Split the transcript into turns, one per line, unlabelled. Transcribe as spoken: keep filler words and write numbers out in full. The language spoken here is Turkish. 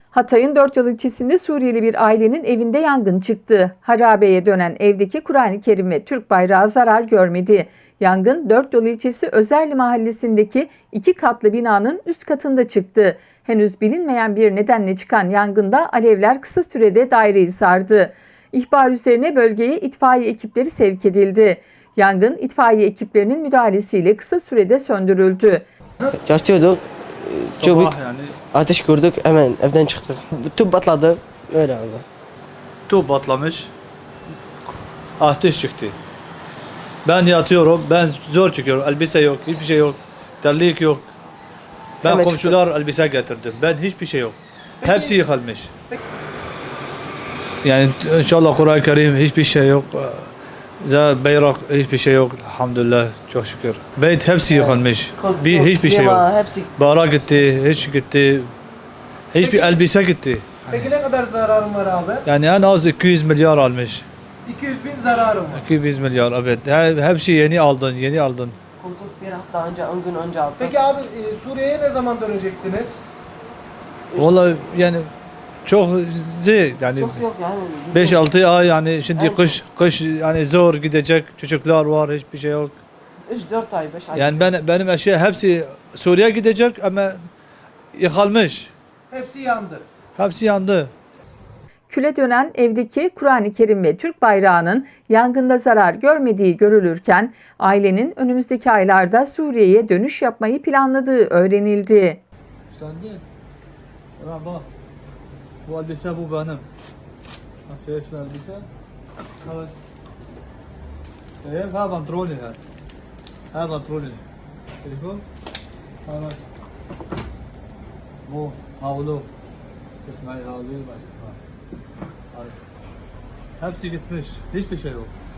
Hatay'ın Dört Yol ilçesinde Suriyeli bir ailenin evinde yangın çıktı. Harabeye dönen evdeki Kur'an-ı Kerim ve Türk bayrağı zarar görmedi. Yangın Dört Yol ilçesi Özerli mahallesindeki iki katlı binanın üst katında çıktı. Henüz bilinmeyen bir nedenle çıkan yangında alevler kısa sürede daireyi sardı. İhbar üzerine bölgeye itfaiye ekipleri sevk edildi. Yangın itfaiye ekiplerinin müdahalesiyle kısa sürede söndürüldü.
Yatıyorduk. Çok büyük
Sabah yani
ateş gördük. Hemen evden çıktık. Tüp patladı. Öyle oldu.
tüp patlamış. Ateş çıktı. Ben yatıyorum. Ben zor çıkıyorum. Elbise yok. Hiçbir şey yok. Terlik yok. Ben
Hemen
komşular elbise getirdim. Ben hiçbir şey yok. Hepsi yıkılmış. Yani inşallah Kur'an-ı Kerim hiçbir şey yok. Zaten bayrak hiçbir şey yok. Elhamdülillah. Çok şükür. Beyt hepsi yıkılmış. Bir hiçbir şey yok.
Hepsi
Bayrak gitti. Hiç gitti. Hiçbir
Peki-
elbise gitti.
Peki ne kadar zararın var abi?
Yani en az iki yüz milyar almış.
iki yüz bin zararım var.
iki yüz milyar evet. He- Hepsi yeni aldın, yeni aldın.
kurduk bir hafta önce, on gün önce aldık.
Peki abi e, Suriye'ye ne zaman dönecektiniz?
Vallahi yani çok zor yani
Çok yok yani.
beş altı ay yani şimdi
Evet.
kış kış yani zor gidecek çocuklar var hiçbir şey yok.
üç dört ay, beş ay.
Yani ben benim eşya hepsi Suriye gidecek ama yıkılmış.
Hepsi yandı.
Hepsi yandı.
Küle dönen evdeki Kur'an-ı Kerim ve Türk bayrağının yangında zarar görmediği görülürken ailenin önümüzdeki aylarda Suriye'ye dönüş yapmayı planladığı öğrenildi.
İstendi. Bak. Bu elbise bu benim. Şey şu elbise. Evet. Evet, ha pantolonu ha. Ha pantolonu. Telefon. Evet. Bu havlu. Sesmai havlu var. Hepsi gitmiş. Hiçbir şey yok.